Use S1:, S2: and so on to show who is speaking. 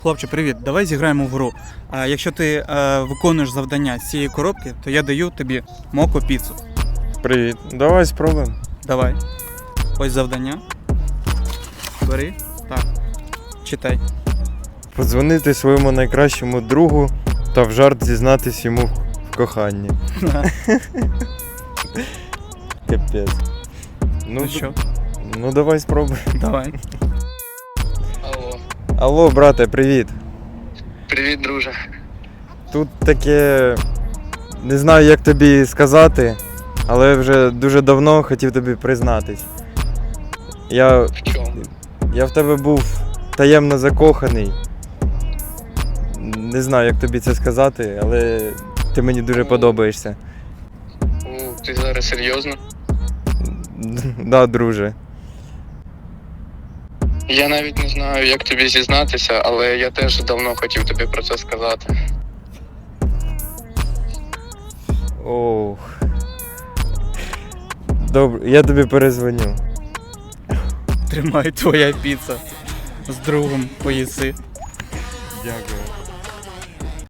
S1: Хлопче, привіт, давай зіграємо в гру. Якщо ти виконуєш завдання з цієї коробки, то я даю тобі моко піцу.
S2: Привіт. Давай спробуємо.
S1: Давай. Ось завдання. Бери. Так. Читай.
S2: Подзвонити своєму найкращому другу та в жарт зізнатись йому в коханні. Капець.
S1: Ну що?
S2: Ну давай спробуємо.
S1: Давай.
S3: Алло.
S2: Алло, брате, привіт.
S3: Привіт, друже.
S2: Тут таке. Не знаю, як тобі сказати, але вже дуже давно хотів тобі признатись. Я
S3: В чому?
S2: в тебе був таємно закоханий. Не знаю, як тобі це сказати, але ти мені дуже подобаєшся.
S3: Ти зараз серйозно?
S2: Да, друже.
S3: Я навіть не знаю, як тобі зізнатися, але я теж давно хотів тобі про це сказати.
S2: Ох. Добре, я тобі перезвоню.
S1: Тримай твоя піца. З другом поїси.
S2: Дякую.